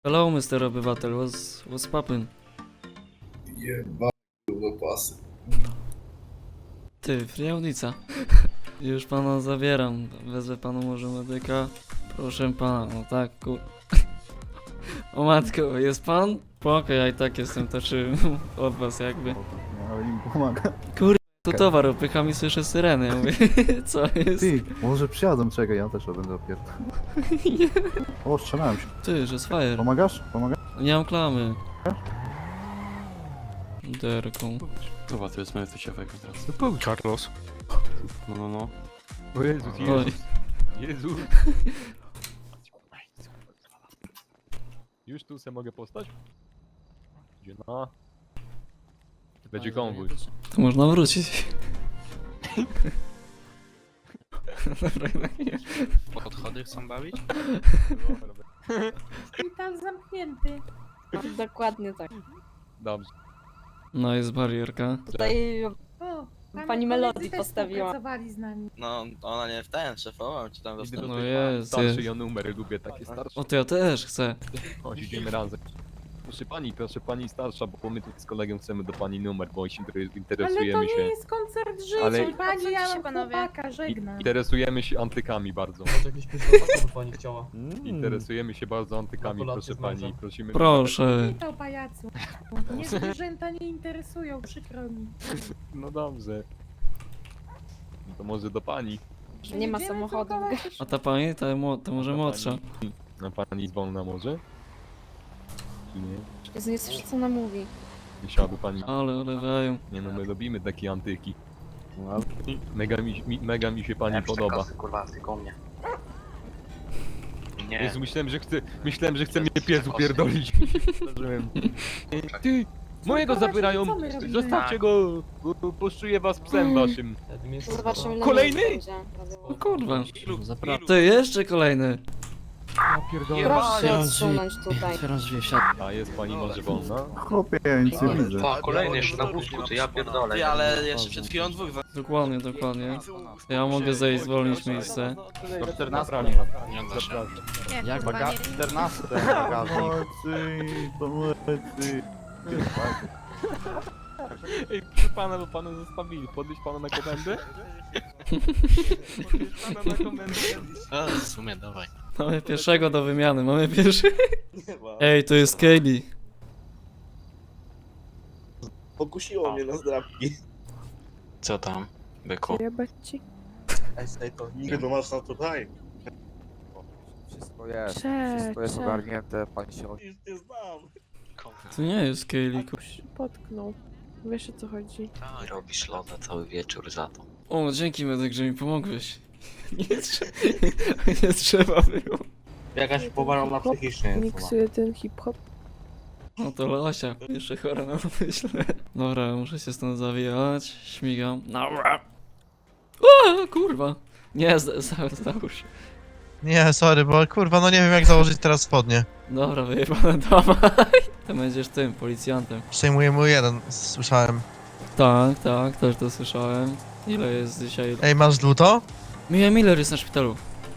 Hello, Mr. Obywatel, what's poppin'? Jeba do pasy. Ty, friaunica. Już pana zabieram. Wezwę panu może medyka. Proszę pana, no tak, O matko, jest pan? Spoko, ja i tak jestem taczy od was jakby. Ale im pomaga. To towar opycham i słyszę syrenę. Ja mówię, co jest? Ty, może przyjadą, czekaj, ja też będę opierdol. O, strzelałem się. Ty, że jest fire. Pomagasz? Pomagasz? Nie mam klamy. Derką. Dobra, to jest moje ciekawego teraz. Carlos. No. O Jezus, Oj. Jezus. Już tu se mogę postać? Gdzie na? Będzie konwój. To można wrócić. Dobra, nie. Podchody chcą bawić? Szpital zamknięty. Dokładnie tak. Dobrze. No jest barierka. Tutaj O, Pani Melody też postawiła. pracowali z nami. No, ona nie w ten, szefową ci tam Idę dostęp. do No tych jest, starszy jest. ja numery lubię takie starsze. O, to ja też chcę. Chodź, idziemy razem. Proszę pani starsza, bo my tu z kolegą chcemy do pani numer, bo się Ale to interesujemy nie się. jest koncert życia. Ale- Pani, ja Odsuńcie się, mam panowie. chłopaka, żegnam. Interesujemy się antykami bardzo. Może jakiś pytał, by pani chciała. Interesujemy się bardzo antykami, Gratulacje proszę z męża. pani. Prosimy. Proszę. Witam, pajacu. Mnie zwierzęta nie interesują, przykro mi. No dobrze. No to może do pani. nie ma Będziemy samochodu. drukować jeszcze- A ta pani, to może młodsza. Na pani wolna może? Czy nie? Jezu, nie słyszę co ona mówi. Nie chciałaby pani. Ale olewają. Nie no, my lubimy takie antyki. Mega mi się pani podoba. Kurwa, tylko mnie. Nie. Jezu, myślałem, że chce mnie pies upierdolić. Zdarzyłem. Ty! Mojego Co wy zabierają! robicie? Co my robimy? Zostawcie go! Bo poszczuję was psem waszym. Zobaczymy ile Kolejny? miejsc będzie. O kurwa. Ty, jeszcze kolejny. Ja pierdolę. Proszę się odsunąć tutaj. A jest pani może wolna? Chłopie, ja nic nie widzę. O, kolejny jeszcze na wózku, to ja pierdolę. Ty, ale jeszcze przed chwilą dwóch Dokładnie, dokładnie. Ja mogę zejść, zwolnić miejsce. Do 14 nie da się. Jak baga... 14. Pomocy. Ej, proszę pana, bo pana zostawili. Podnieść pana na komendę? Podnieść pana na komendę? A, w sumie, dawaj. Mamy pierwszego do wymiany, mamy pierwszy. Ej, to jest Kaylee. Pokusiło mnie na zdrabki. Co tam, byku? Ej, to nigdy masz na tutaj. Wszystko jest ogarnięte, pani się Już nie znam. To nie jest Kaylee. Potknął. Wiesz o co chodzi. Robisz loda cały wieczór za to. O, dzięki medyk, że mi pomogłeś. Nie trzeba było. Jakaś powalona psychicznie. Miksuję ten hip-hop. No to Losia, jeszcze chora na myślę. Dobra, muszę się stąd zawijać. Śmigam. Dobra. O, kurwa. Nie, załóż. Nie, sorry, bo kurwa, no nie wiem jak założyć teraz spodnie. Dobra, wyjebane, dawaj. Ty będziesz tym, policjantem. Przejmuję mój jeden, słyszałem. Tak, też to słyszałem. Ile jest dzisiaj? Ej, masz dłuto? Mia Miller jest na szpitalu.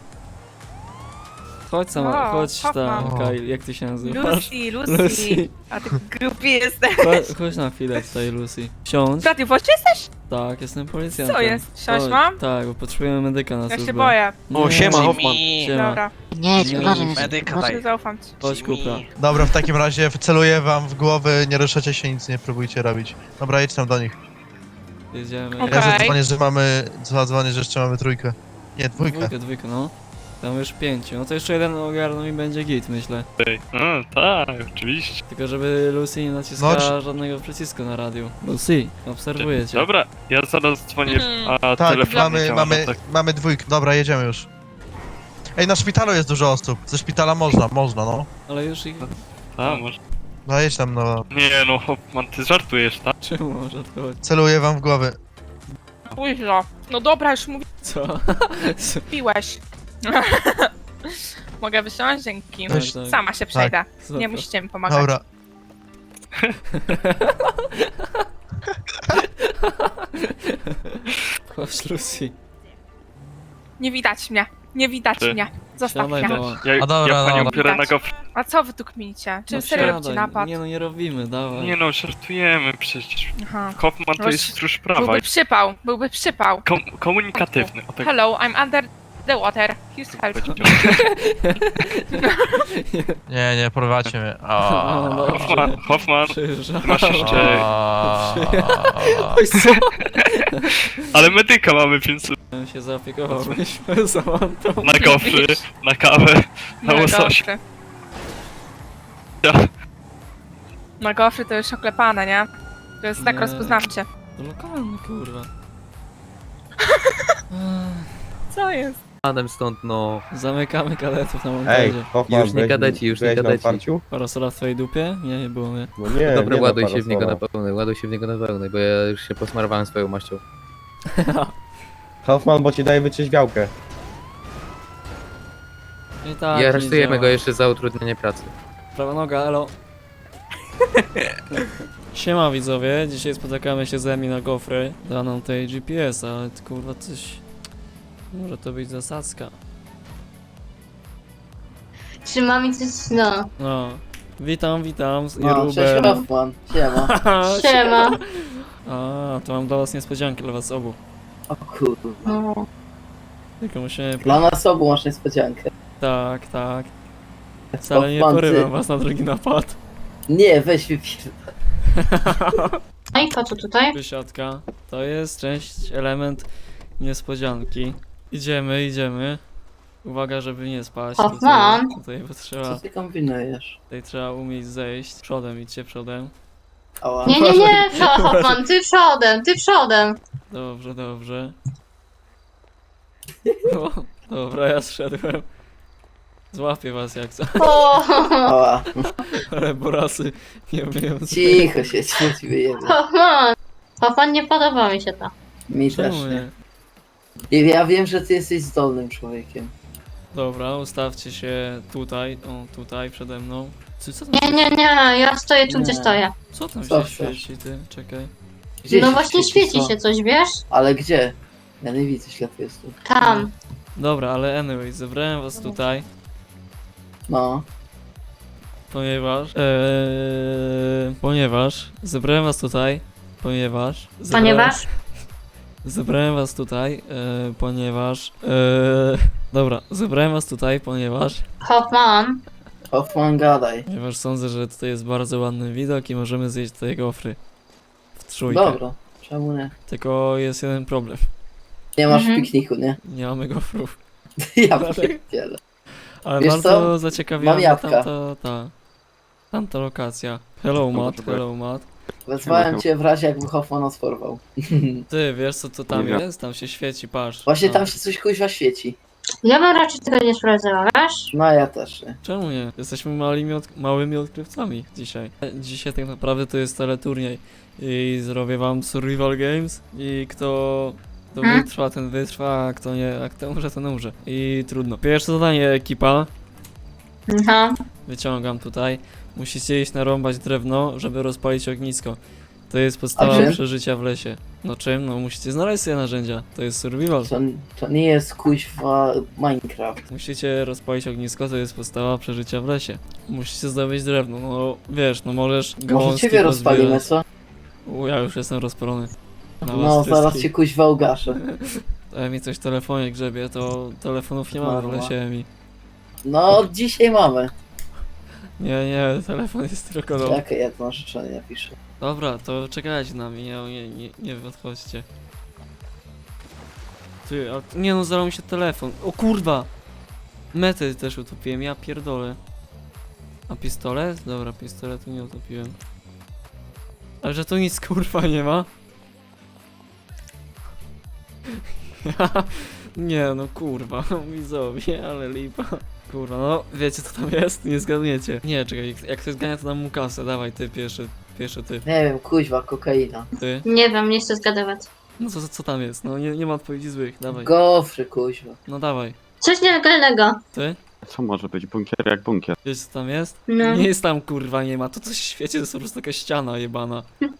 Chodź sama, O, chodź tam, Hoffman. Kyle, jak ty się nazywasz? Lucy. Lucy. A ty grupi jesteś. Chodź na chwilę tutaj, Lucy. Siądź. Ty właśnie jesteś? Tak, jestem policjantem. Co jest? Siąść Chodź. mam? Tak, bo potrzebujemy medyka na Ja służbę. się boję. Nie, siema, Hoffman. Siema. Dobra, Medyka daj. zaufam ci. Chodź, kupra. Dobra, w takim razie celuję wam w głowy, nie ruszacie się, nic nie próbujcie robić. Dobra, jedź tam do nich. Jedziemy. Okej. Ja zadzwonię, że jeszcze mamy trójkę. Nie, dwójkę. Dwójkę, no. Tam już 5. No to jeszcze jeden ogarną i będzie git, myślę. tak, oczywiście. Tylko żeby Lucy nie naciskała No, żadnego przycisku na radiu. Lucy, obserwuję cię. Dobra, ja zaraz dzwonię, a Tak, telefon nie działa, no tak. mamy dwójkę. Dobra, jedziemy już. Ej, na szpitalu jest dużo osób. Ze szpitala można, no. Ale już ich... A, może... No jedź tam, no. Nie no, Hoffman, ty żartujesz, tak? Czemu może to chodzi? Celuję wam w głowy. Późno. No dobra, już Co? mówiłeś. Mogę wysiąść? Dzięki. Tak, tak. Sama się przejdę. Super. Nie musicie mi pomagać. Dobra. Chodź, Lucy. Nie widać mnie. Nie widać mnie. Zostaw Siadaj mnie. do... A dobra, dobra. biorę na Widać. go. A co wy tu kminicie? Czym No serio robicie siadaj. napad? Nie no, nie robimy, dawaj. Nie no, żartujemy przecież. Aha. Hoffman to Weź- jest stróż prawa. Byłby przypał, byłby przypał. Komunikatywny. O tak Hello, I'm under the water. Please help. Nie, porwacie mnie. No, dobrze. Hoffman, Przyjeżdża. masz jeszcze... Oj, co? Ale medyka mamy, więc Ja się zaopiekowałbyś Samantą. na gofry, na kawę, na łosoś. gofry. Na gofry to już oklepane, nie? To jest tak Nie. rozpoznawcze. To lokalny, kurwa. Co jest? Adam stąd, no. Zamykamy kadetów na montaże. Już nie kadeci, już nie kadeci. Parasola w twojej dupie? Nie było mnie. No nie, Dobra, nie ładuj na się w niego na parasola. pełnej, ładuj się w niego na pełnej, bo ja już się posmarowałem swoją maścią. Hoffman, bo ci daje wytrzeźwiałkę. I tak, I nie aresztujemy działa. go jeszcze za utrudnienie pracy. Prawa noga, elo. Siema widzowie, dzisiaj spotykamy się z Emi na gofry. Da nam tej GPS, ale ty, kurwa coś... Może to być zasadzka. Czy mam coś, no. No. Witam z No, Irubem. cześć Hoffman, siema. Siema. A, to mam dla was niespodziankę, dla was obu. O kurwa. No. Tylko musimy... Dla nas obu masz niespodziankę. Tak. Wcale nie Hoffman, porywam ty... was na drugi napad. Nie, weź wypierdol. No i po co tutaj? Wysiadka. To jest część, element niespodzianki. Idziemy. Uwaga, żeby nie spaść. Hoffman. Tutaj bo Co trzeba, ty kombinujesz? tutaj trzeba umieć zejść. Przodem, idźcie przodem. Ała. Nie, Hoffman, ty przodem. Dobrze. No, dobra, ja zszedłem. Złapię was jak co, Ała. ale borasy nie umieją Cicho się, ci wyjebie. Hoffman, nie podoba mi się to. Mi też Czemu nie. nie? I ja wiem, że ty jesteś zdolnym człowiekiem. Dobra, ustawcie się tutaj, o tutaj przede mną. Co tam, Nie, ja stoję tu, Nie. gdzie stoję. co tam Co się chcesz? świeci, ty? Czekaj. Gdzie No się właśnie świeci co? się coś, wiesz? Ale gdzie? Ja nie widzę światła. Tam. Dobra, ale anyway, zebrałem was tutaj, No. ponieważ zebrałem was tutaj, ponieważ zebrałem was tutaj, dobra, zebrałem was tutaj, ponieważ Hoffman, gadaj. sądzę, że tutaj jest bardzo ładny widok i możemy zjeść tutaj gofry w trójkę. Dobra, czemu nie? Tylko jest jeden problem, Nie masz Mhm. pikniku, nie? nie mamy gofrów, Ja pierdzielę. ale Wiesz bardzo co? zaciekawiła Mam mnie jabłka. tamta lokacja. Hello Matt. Wezwałem cię w razie, jakby Hoffman nas porwał. Ty, wiesz co to tam jest? Tam się świeci, patrz. Właśnie No. tam się coś kuźwa świeci. Ja bym raczej tego nie sprawdzała, wiesz? No ja też nie. Czemu nie? Jesteśmy małymi odkrywcami dzisiaj. Dzisiaj tak naprawdę to jest teleturniej i zrobię wam survival games i kto wytrwa, ten wytrwa, a kto nie, a kto umrze, ten umrze. I trudno. Pierwsze zadanie ekipa, Aha. wyciągam tutaj. Musicie iść narąbać drewno, żeby rozpalić ognisko. To jest podstawa A czym? przeżycia w lesie. No czym? No musicie znaleźć sobie narzędzia. To jest survival. To nie jest kuźwa Minecraft. Musicie rozpalić ognisko, to jest podstawa przeżycia w lesie. Musicie zdobyć drewno, no wiesz, no możesz Może gałązki ciebie rozpalimy, pozbierać. co? Ja już jestem rozpalony. Na No was zaraz wszystkich. cię kuźwa ugaszę. To mi coś w telefonie grzebie, to telefonów nie mamy w Marła. lesie mi. No dzisiaj mamy. Nie, telefon jest tylko do... Jakie jedno życzenie napiszę. Dobra, to czekajcie na mnie, nie odchodźcie. Ty, a... Nie no, zalał mi się telefon. O kurwa! Metę też utopiłem, ja pierdolę. A pistolet? Dobra, pistoletu nie utopiłem. Ale że tu nic kurwa nie ma? Nie no kurwa, widzowie, ale lipa. Kurwa, no wiecie co tam jest? Nie zgadniecie. Nie, czekaj, jak ktoś zgania to dam mu kasę, dawaj ty pierwszy ty. Nie wiem, kuźwa, kokaina. Ty? Nie wiem, nie chcę zgadywać. No co tam jest? No nie ma odpowiedzi złych, dawaj. Gofry, kuźwa. No dawaj. Coś nielegalnego. Ty? Co może być? Bunkier jak bunkier. Wiesz co tam jest? No. Nie jest tam kurwa, nie ma. To coś w świecie to jest po prostu taka ściana jebana.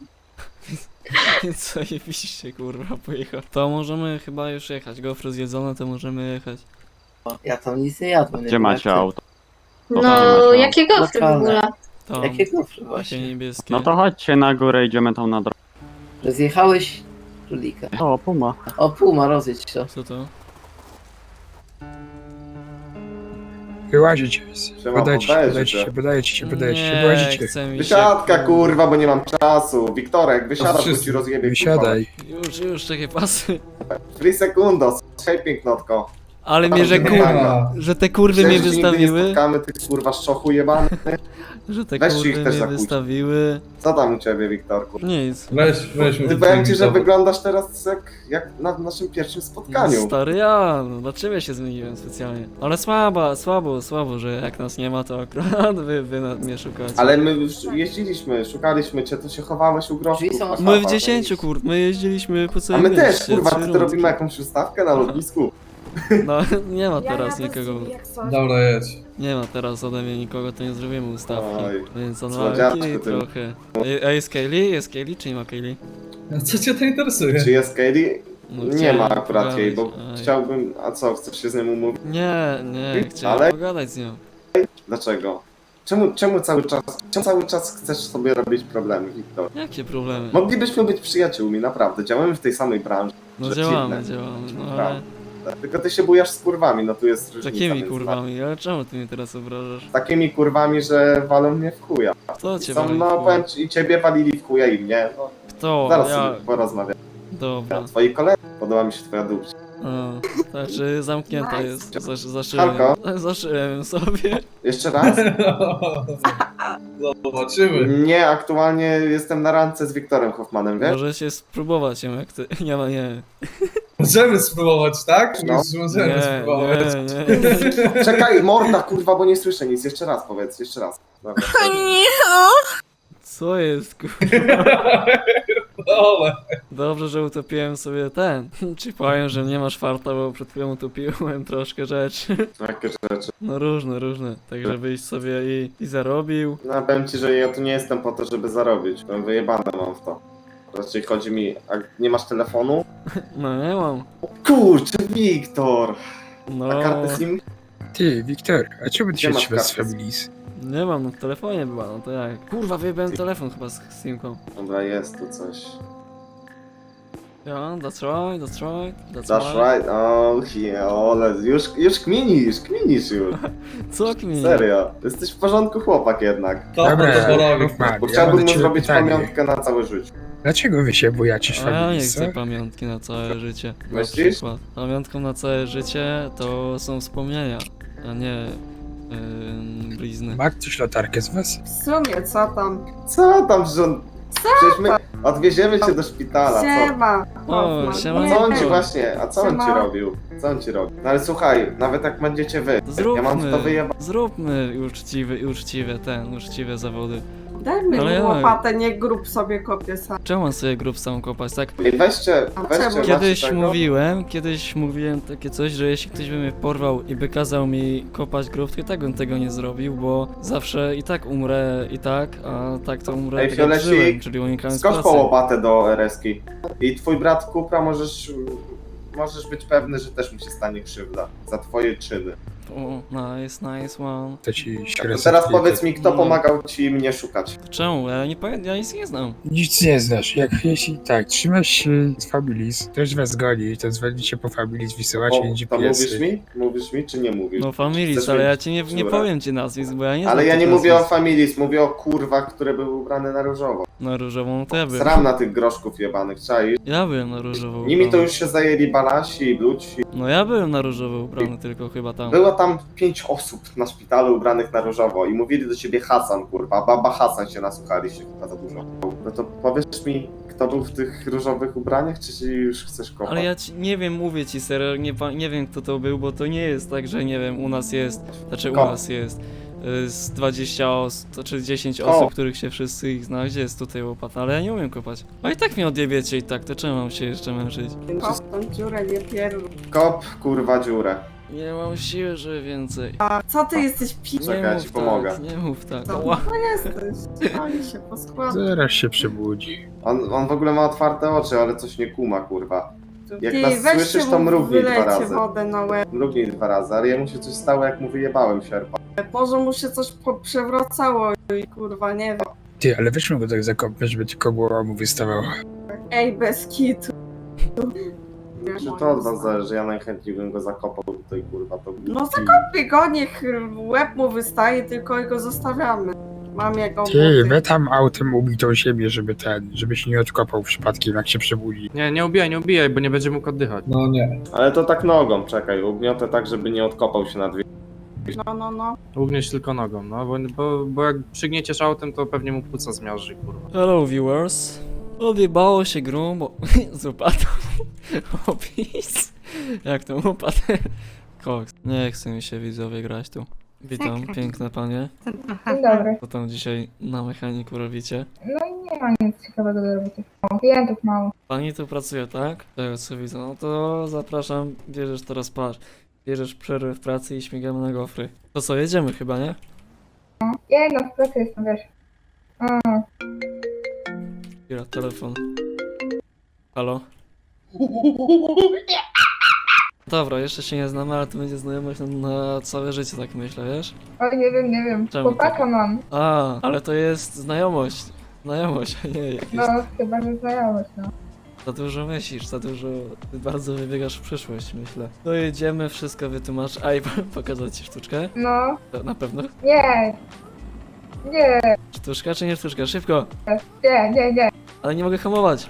Więc zajebiście kurwa pojechał. To możemy chyba już jechać. Gofry zjedzone, to możemy jechać. Ja tam nic nie jadłem. nie Gdzie wiem, macie jak ty. auto? No, jakie gofry w Lokalne. ogóle? Tam, Jakie gofry takie właśnie? niebieskie. No to chodźcie na górę, idziemy tam na drogę. Że zjechałeś królika. O, puma. O, puma, rozjedź to. Co to? Wyłazicie. Siema, podajcie się. Nie, chce mi się. Wysiadka kurwa, bo nie mam czasu. Wiktorek, wysiadasz, bo ci rozjebie Wysiadaj. Już, czekaj, pasy. kurwa. Free sekundos. Hej pięknotko. Ale mnie, że że te kurwy mnie Myślałeś, że nigdy nie wystawiły. spotkamy tych kurwa szczochu jebany. Że te Weźcie ich kurwy też mnie zakłóć. wystawiły. Co tam u ciebie, Wiktorku? Nic. Weź Ty powiem ci, że wyglądasz teraz jak na naszym pierwszym spotkaniu. Stary no dlaczego ja się zmieniłem specjalnie? Ale słabo, że jak nas nie ma, to akurat wy mnie szukacie. Ale my już jeździliśmy, szukaliśmy cię, to się chowałeś u groszku. Drzwi są kurwa. My w 10 my jeździliśmy po A całym my też, mieście, kurwa, 3 ty to rundki. robimy jakąś ustawkę na lotnisku. No, nie ma teraz nikogo. Dobra, jedź. Nie ma teraz ode mnie nikogo, to nie zrobimy ustawki. Oj, Więc słodziaczku odwalki ty. trochę. A jest Kaylee? Jest Kaylee czy nie ma Kaylee? Co cię to interesuje? Czy jest Katie? No, Nie chciałem ma akurat jej, bo pogadać. Aj. chciałbym... A co, chcesz się z nią umówić? Nie, chciałem Ale- pogadać z nią. Dlaczego? Czemu cały czas chcesz sobie robić problemy, Wiktor? Jakie problemy? Moglibyśmy być przyjaciółmi, naprawdę. Działamy w tej samej branży. No że działamy, dziwne. no ale... Prawda. Tylko ty się bujasz z kurwami, no tu jest różnica. Takimi między kurwami, ale czemu ty mnie teraz obrażasz? nami. Takimi kurwami, że walą mnie w chuja. Kto cię Są, wali w no chuj? powiem ci, i ciebie walili w chuja i mnie. No, Kto? zaraz Ja... sobie porozmawiam. Dobra. Twoi koledzy, podoba mi się twoja dupcia. A, znaczy zamknięta jest. Zaszyłem. Halko? Zaszyłem sobie. Jeszcze raz? Zobaczymy. Nie, aktualnie jestem na randce z Wiktorem Hoffmanem, wiesz? Możecie spróbować ją jak ty. Nie ma, nie. Możemy spróbować, tak? No. Już możemy spróbować. Nie. Czekaj, morda kurwa, bo nie słyszę nic. Jeszcze raz powiedz, jeszcze raz. Dobra, Co jest kurwa? Dobra. Dobrze, że utopiłem sobie ten. Ci powiem, że nie masz farta, bo przed chwilą utopiłem troszkę rzeczy. jakie rzeczy. No różne. Tak żebyś sobie i zarobił. No powiem ci, że ja tu nie jestem po to, żeby zarobić. Byłem wyjebane mam w to. Raczej chodzi mi, a nie masz telefonu? No nie mam. Kurczę, Wiktor! No. A kartę SIM? Ty, Wiktor, a czemu ty Gdzie masz kartę? Nie mam, no w telefonie była, no to jak? Kurwa, wyjebałem telefon chyba z Simką. Dobra, jest tu coś. Ja, that's right. That's right, oh yeah, ole, już kminisz już. Co kmin? Serio, jesteś w porządku chłopak jednak. Dobra, Bo chciałbym mu zrobić pamiątkę na całe życie. Dlaczego wy się bojacie A ja nie chcę pamiątki na całe życie. Na Myślisz? przykład. Pamiątką na całe życie to są wspomnienia, a nie blizny. Ma ktoś latarkę z was? W sumie, co tam? Co tam, że... Przecież my odwieziemy cię do szpitala, co? Siema. O, siema. A co on ci właśnie, a co on ci Siema. robił? Co on ci robił? No ale słuchaj, nawet jak będziecie wy, ja mam w to wyjebać. Zróbmy uczciwe zawody. Daj mi Ale ja- łopatę, nie grób sobie kopię sam. Czemu mam sobie grób samą kopać, tak? Ej, weźcie, czemu? Kiedyś mówiłem takie coś, że jeśli ktoś by mnie porwał i by kazał mi kopać grób, to i tak bym tego nie zrobił, bo zawsze i tak umrę i tak, a tak to umrę Ej, tak jak Fiolecik, żyłem, czyli unikając Skocz pracy. po łopatę do RS-ki. I twój brat Kupra możesz być pewny, że też mu się stanie krzywda za twoje czyny. O, nice one. To ci To teraz powiedz mi, kto No. pomagał ci mnie szukać. To czemu? Ja nie powiem, ja nic nie znam. Nic nie znasz. Jak jeśli tak, trzymasz się z Familis, ktoś was goni, to dzwonicie po Familis, wysyłacie im To GPS-y. mówisz mi, czy nie mówisz? No Familis, Chcesz ale ja mieć ci nie dziurę? powiem ci nazwisk, bo ja nie znam Ale ja tych nie mówię o nazwisk. Familis, mówię o kurwach, które były ubrane na różowo. Na różową no to ja byłem. Sram na tych groszków jebanych, czaisz? Ja byłem na różowo Nimi to ubrany. już się zajęli balasi i bluci. No ja byłem na różowo ubrany tylko chyba tam. Było tam 5 osób na szpitalu ubranych na różowo i mówili do ciebie Hasan, kurwa. Baba Hasan się nasłuchaliście chyba za dużo. No to powiesz mi, kto był w tych różowych ubraniach, czy ci już chcesz kopać? Ale ja ci, nie wiem, mówię ci serio, nie wiem kto to był, bo to nie jest tak, że nie wiem, u nas jest, znaczy u Ko. nas jest z 20 osób, czy 10 Ko. osób, których się wszyscy ich zna, gdzie jest tutaj łopata, ale ja nie umiem kopać. A i tak mnie odjebiecie i tak, to czemu mam się jeszcze męczyć? Kop tą dziurę, nie pierdol. Kop, kurwa, dziurę. Nie mam siły, że więcej. A co ty jesteś pi... Czekaj, Nie ja mów ci pomogę. tak, nie mów tak. Co? Ła. No jesteś. Oni się poskładają. Zaraz się przebudzi. On w ogóle ma otwarte oczy, ale coś nie kuma, kurwa. Jak nas słyszysz, to mrugnij 2 razy. wodę na łeb. Mrugnij 2 razy, ale jemu się coś stało, jak mu wyjebałem sierpa. Może mu się coś przewracało i kurwa, nie wiem. Ty, ale weźmy go tak zakopnąć, żeby tylko głowa mu wystawała. Ej, bez kitu. Czy to od was zależy, ja najchętniej bym go zakopał tutaj, kurwa, to... No zakopie go, niech łeb mu wystaje, tylko go zostawiamy. Mam jego Ty, buty. we tam autem ubij tą siebie, żebyś nie odkopał przypadkiem, jak się przebudzi. Nie ubijaj, bo nie będzie mógł oddychać. No nie. Ale to tak nogą, czekaj, ugniotę tak, żeby nie odkopał się na dwie. No. Ugniesz tylko nogą, no, bo jak przygnieciesz autem, to pewnie mu płuca zmiażdży, kurwa. Hello viewers. Odjebało się grubo z łopatą. Opis. Jak to upadł? Koks. Nie chce mi się widzowie grać tu. Witam, piękne panie. Dzień dobry. Co tam dzisiaj na mechaniku robicie? No i nie ma nic ciekawego do roboty. Klientów mało. Pani tu pracuje, tak? Tego co widzę. No to zapraszam, bierzesz teraz patrz. Bierzesz przerwę w pracy i śmigamy na gofry. To co, jedziemy chyba, nie? Ja no w pracy jestem, wiesz. Chwila, telefon. Halo? Dobra, jeszcze się nie znamy, ale to będzie znajomość na całe życie, tak myślę, wiesz? Oj, nie wiem. Czemu Chłopaka tak? mam. A, ale to jest znajomość. Znajomość, a nie jakieś... No, chyba, że znajomość, no. Za dużo myślisz, za dużo... Ty bardzo wybiegasz w przyszłość, myślę. To jedziemy, wszystko wytłumacz. Aj, pokazać ci sztuczkę? No, To na pewno? nie. Sztuczka czy nie sztuczka? Szybko! Nie. Ale nie mogę hamować.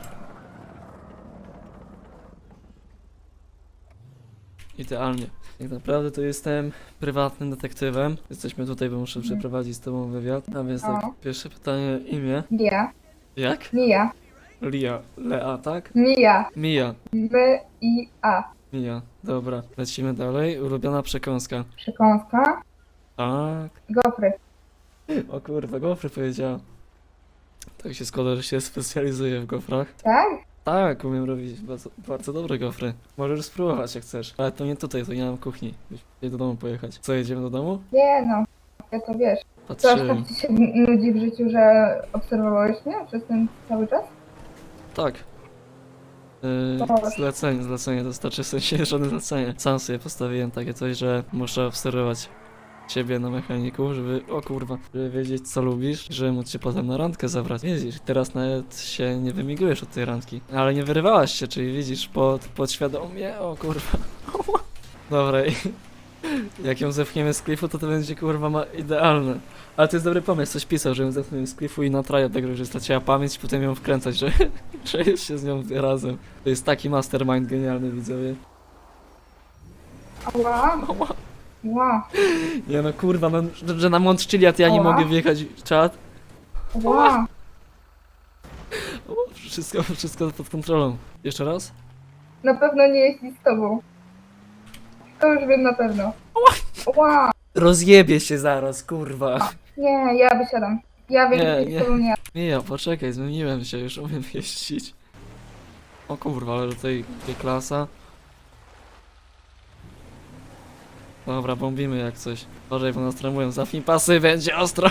Idealnie. Tak naprawdę to jestem prywatnym detektywem. Jesteśmy tutaj, bo muszę przeprowadzić z tobą wywiad. A więc tak, No. pierwsze pytanie, imię. Ja. Jak? Mija. Lia. Lea, tak? Mija. Mija. M-I-A. Mija. Dobra, lecimy dalej. Ulubiona przekąska. Przekąska. Tak. Gofry. O kurwa, gofry powiedziała. Tak się składa, że się specjalizuję w gofrach. Tak? Tak, umiem robić bardzo, bardzo dobre gofry. Możesz spróbować jak chcesz. Ale to nie tutaj, to nie mam kuchni. Musimy do domu pojechać. Co, jedziemy do domu? Nie no. Ja to wiesz. Co aż Patrzyłem. tak ci się nudzi w życiu, że obserwowałeś mnie przez ten cały czas? Tak. Dobra. Zlecenie dostarczy, w sensie żadne zlecenie. Sam sobie postawiłem takie coś, że muszę obserwować ciebie na mechaniku, żeby, o kurwa, żeby wiedzieć co lubisz, żeby móc cię potem na randkę zabrać. Widzisz, teraz nawet się nie wymigujesz od tej randki. Ale nie wyrywałaś się, czyli widzisz, podświadomie, o kurwa. Dobra, i jak ją zepchniemy z klifu, to będzie kurwa idealne. Ale to jest dobry pomysł, coś pisał, że ją zepchniemy z klifu i na traja tego, że straciła pamięć i potem ją wkręcać, że, że już się z nią razem. To jest taki mastermind genialny, widzowie. Ała. Ła. Nie no kurwa, no, że na Mont Chiliad ja nie Ała. mogę wjechać w czat. Ła. O, wszystko pod kontrolą. Jeszcze raz? Na pewno nie jeździ z tobą. To już wiem na pewno. Ła. Rozjebie się zaraz, kurwa. Nie, ja wysiadam. Ja wiem, Nie, że nie. z tobą nie. Nie, poczekaj, zmieniłem się, już umiem jeździć. O kurwa, ale tutaj klasa. Dobra, bombimy jak coś. Uważaj, bo nas tremują. Zapnij pasy, będzie ostro.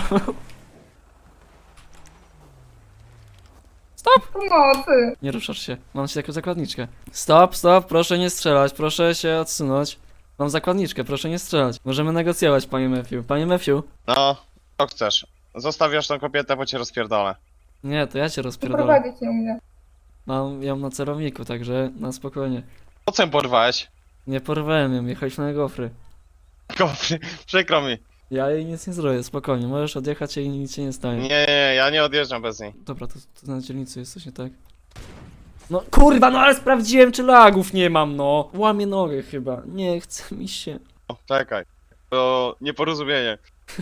Pomocy. Nie ruszasz się. Mam ci taką zakładniczkę. Stop, proszę nie strzelać, proszę się odsunąć. Mam zakładniczkę, proszę nie strzelać. Możemy negocjować, panie Matthew. Panie Matthew. No, co chcesz? Zostawiasz tą kobietę, bo cię rozpierdolę. Nie, to ja cię rozpierdolę. Prowadzić nie umie. Mam ją na celowniku, także na spokojnie. Po co ją porwałeś? Nie porwałem ją, jechaliśmy na gofry. Gofry, przykro mi. Ja jej nic nie zrobię, spokojnie. Możesz odjechać i nic się nie stanie. Nie, ja nie odjeżdżam bez niej. Dobra, to na dzielnicy jest coś nie tak. No kurwa, no ale sprawdziłem czy lagów nie mam, no. Łamię nogę chyba. Nie chce mi się. O, czekaj. To nieporozumienie.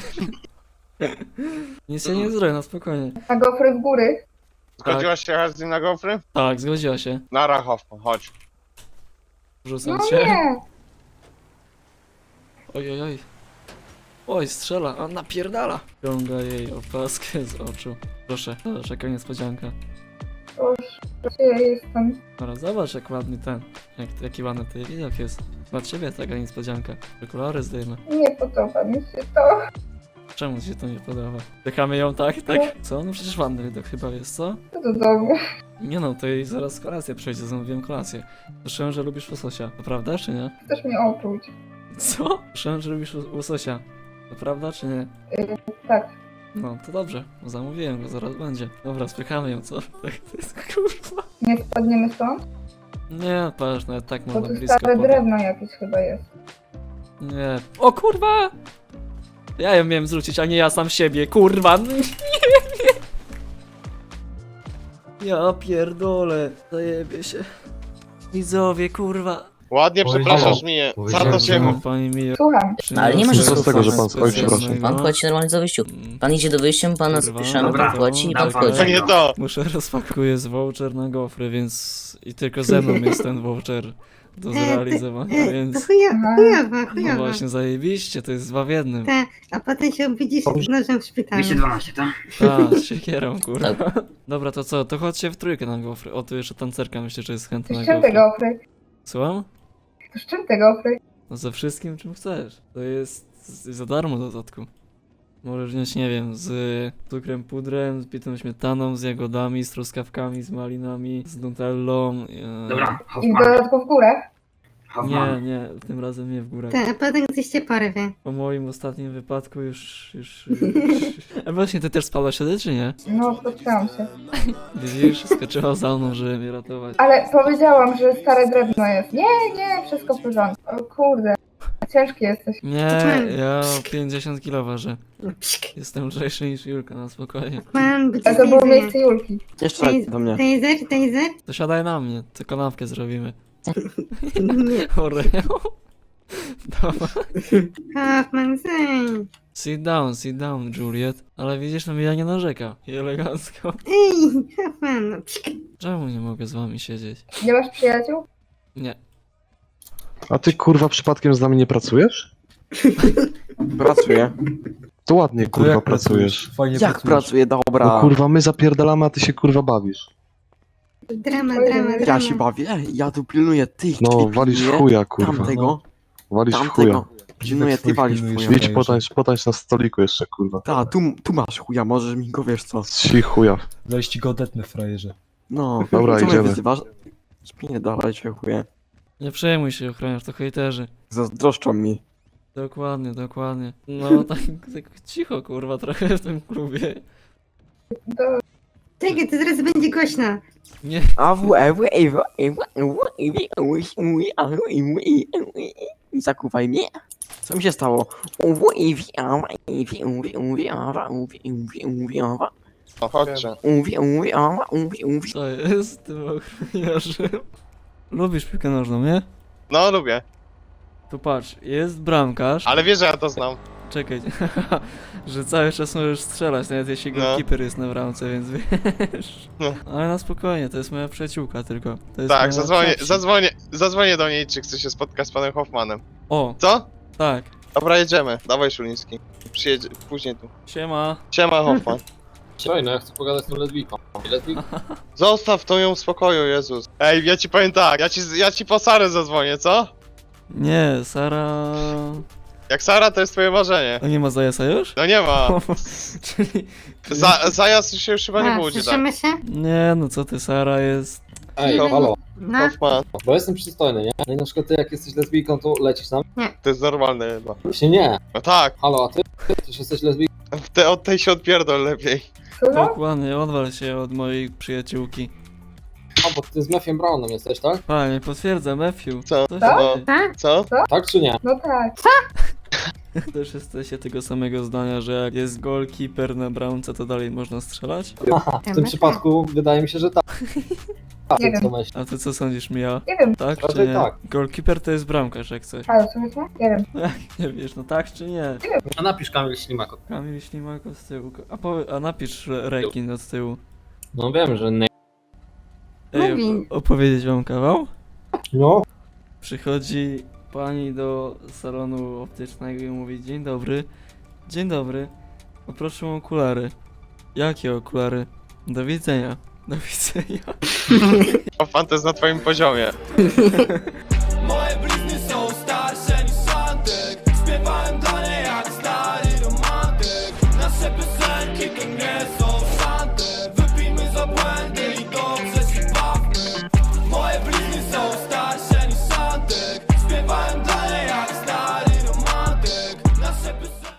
Nic się nie zrobię, no spokojnie. A gofry w góry. Zgodziłaś się jechać z nim na gofry? Tak, zgodziła się. Na Rachowku, chodź. Rzucam No cię. nie. Oj. Oj, strzela, a napierdala. Ciąga jej opaskę z oczu. Proszę, czeka niespodzianka. Już, gdzie ja jestem? Dobra, zobacz jak ładny ten. Jaki ładny ten widok jest. Dla ciebie taka niespodzianka. Okulary zdejmę. Nie podoba mi się to. Czemu ci się to nie podoba? Czekamy ją tak? Tak? Co? No przecież ładny widok chyba jest, co? Co to dobre? Nie no, to jej zaraz kolację przejdzie, zamówiłem kolację. Słyszałem, że lubisz łososia. To prawda, czy nie? Chcesz mnie opluć? Co? Słyszałem, że lubisz łososia. To prawda, czy nie? Tak. No, to dobrze. Zamówiłem go, zaraz będzie. Dobra, spychamy ją, co? Tak, to jest kurwa. Nie spadniemy stąd? Nie, patrz, nawet tak Bo można tu blisko stare podejść. drewno jakieś chyba jest. Nie. O kurwa! Ja ją miałem zrzucić, a nie ja sam siebie, kurwa! Nie, nie. Ja pierdolę, zajebie się. Widzowie, kurwa. Ładnie przepraszasz mnie. Za to cię No, pani Mio. Słucham. No, ale nie ma Co co z tego, że słuchać. pan skończy, proszę. Pan płaci normalnie za wyjściu. Pan idzie do wyjścia, pana Kurwa, zapiszemy, dobra, pan płaci i pan dobra. wchodzi. To nie to. Muszę rozpakuję z voucher na gofry, więc... I tylko ze mną jest ten voucher do zrealizowania, więc... No właśnie, zajebiście, to jest 2 w 1. A potem się obudzisz z nożem w szpitalu. 212, tak? Tak, z siekierą, kurwa. Dobra, to co? To chodźcie w trójkę na gofry. O, tu jeszcze tancerka myślę, że jest chętna Z na czym gofry. te gofry? Słucham? Z czym te gofry? No ze wszystkim, czym chcesz. To jest za darmo w dodatku. Możesz wziąć, nie wiem, z cukrem pudrem, z pitą śmietaną, z jagodami, z truskawkami, z malinami, z nutellą. I w dodatku w górę? Nie, tym razem nie w górach. A potem coś cię porwie. Po moim ostatnim wypadku już... A właśnie, ty też spadłaś wtedy, czy nie? No, spotkałam się. Widzisz, skoczyła za mną, żeby mnie ratować. Ale powiedziałam, że stare drewno jest. Nie, wszystko w porządku. O kurde. Ciężki jesteś. Nie, ja 50 kilo ważę. Jestem lżejszy niż Julka, na spokojnie. A to było miejsce Julki. Jeszcze do mnie. Taser? To siadaj na mnie, to kanapkę zrobimy. Oreo? Dawaj. Hoffman, Sit down, Juliet. Ale widzisz, no Mia nie narzeka. I elegancko. Ej, Hoffman. Czemu nie mogę z wami siedzieć? Nie masz przyjaciół? Nie. A ty kurwa przypadkiem z nami nie pracujesz? Pracuję. To ładnie kurwa pracujesz. Jak pracuję? Dobra. No kurwa my zapierdalamy, a ty się kurwa bawisz. Drama. Ja się bawię, ja tu pilnuję tych, No walisz w chuja kurwa. tamtego, Walisz w chuja. tamtego. Pilnuję, ty walisz w chuja. Idź potańcz na stoliku jeszcze kurwa. Ta, tu masz chuja, możesz mi go, wiesz co. Ci chuja. Weź go odetnę, frajerze. No, Dobra, co mnie idziemy. wyzywasz? Spinie dalej się chuje. Nie przejmuj się, ochroniarz, to hejterzy. Zazdroszczą mi. Dokładnie. No tak cicho, kurwa, trochę w tym klubie. Czekaj, to zaraz będzie głośno. Nie, Zakuwaj mnie. Co mi się stało? No chodźcie. co jest z tym ochroniarzem? Lubisz piłkę nożną, nie? No lubię. Tu patrz, jest bramkarz. Ale wiesz, że ja to znam. Czekaj, że cały czas możesz strzelać, nawet jeśli No. goalkeeper jest na bramce, więc wiesz. No. Ale na spokojnie, to jest moja przyjaciółka tylko. To jest Tak, moja zadzwonię do niej, czy chce się spotkać z panem Hoffmanem. O, Co? tak. Dobra, jedziemy. Dawaj Szuliński. Przyjedzie później tu. Siema. Siema Hoffman. Słuchaj, no ja chcę pogadać z tą lesbijką. Zostaw to ją w spokoju, Jezus. Ej, ja ci powiem tak, ja ci po Sarę zadzwonię, co? Nie, Sara... Jak Sara, to jest twoje marzenie. A nie ma zajasa już? No nie ma. Czyli... Zajazd się już chyba nie budzi, tak? się? Nie, no co ty, Sara jest... Ej, halo. No. Hoffman, bo jestem przystojny, nie? No i na przykład ty jak jesteś lesbijką, to lecisz tam? to jest normalne chyba. Właśnie nie. No tak, Halo, a ty? Też jesteś lesbijką? od tej się odpierdol lepiej. Słucham? Dokładnie, odwal się od mojej przyjaciółki. A, bo ty z Matthewem Brownem jesteś, tak? Panie, potwierdzam, Matthew. Co? To No. Tak? Co? Tak czy nie? No tak. też jesteście tego samego zdania, że jak jest goalkeeper na bramce, to dalej można strzelać? Aha, w tym przypadku wydaje mi się, że tak. Nie wiem. Co myślisz? A ty co sądzisz, Mia? Nie wiem. Tak czy Raczej nie? tak. Goalkeeper to jest bramkarz, jak coś. Ale co myślę? Nie wiem. Nie wiesz, no tak czy nie? A napisz Kamil Ślimako. Kamil Ślimako z tyłu. A napisz rekin od tyłu. No wiem, że nie. Ej, opowiedzieć wam kawał? No. Przychodzi pani do salonu optycznego i mówi: dzień dobry, poproszę o okulary. Jakie okulary? Do widzenia. Do widzenia. Hoffman, to jest na twoim poziomie.